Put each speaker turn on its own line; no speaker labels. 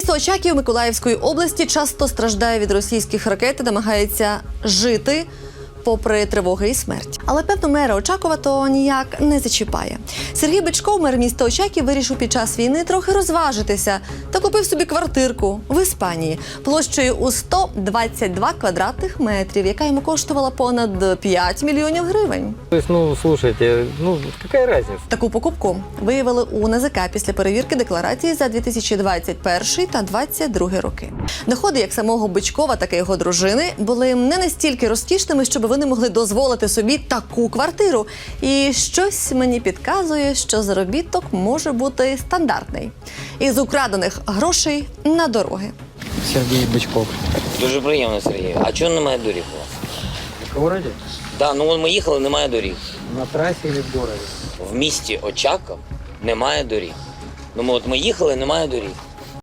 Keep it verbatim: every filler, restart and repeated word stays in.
Місто Очаків Миколаївської області часто страждає від російських ракет і намагається жити попри тривоги і смерть. Але, певно, мера Очакова то ніяк не зачіпає. Сергій Бичков, мер міста Очаків, вирішив під час війни трохи розважитися та купив собі квартирку в Іспанії площею у сто двадцять два квадратних метрів, яка йому коштувала понад п'ять мільйонів гривень.
Тобто, ну, слушайте, ну, яка різниця?
Таку покупку виявили у НАЗК після перевірки декларації за дві тисячі двадцять перший та двадцять другий роки. Доходи як самого Бичкова, так і його дружини були не настільки розкішними, щоб вони могли дозволити собі таку квартиру. І щось мені підказує, що заробіток може бути стандартний. Із украдених грошей на дороги.
Сергій Бичков.
Дуже приємно, Сергій. А чого немає доріг у вас?
В городі?
Так, ну ми їхали, немає доріг.
На трасі чи в городі?
В місті Очаков немає доріг. Ну ми от ми їхали, немає доріг.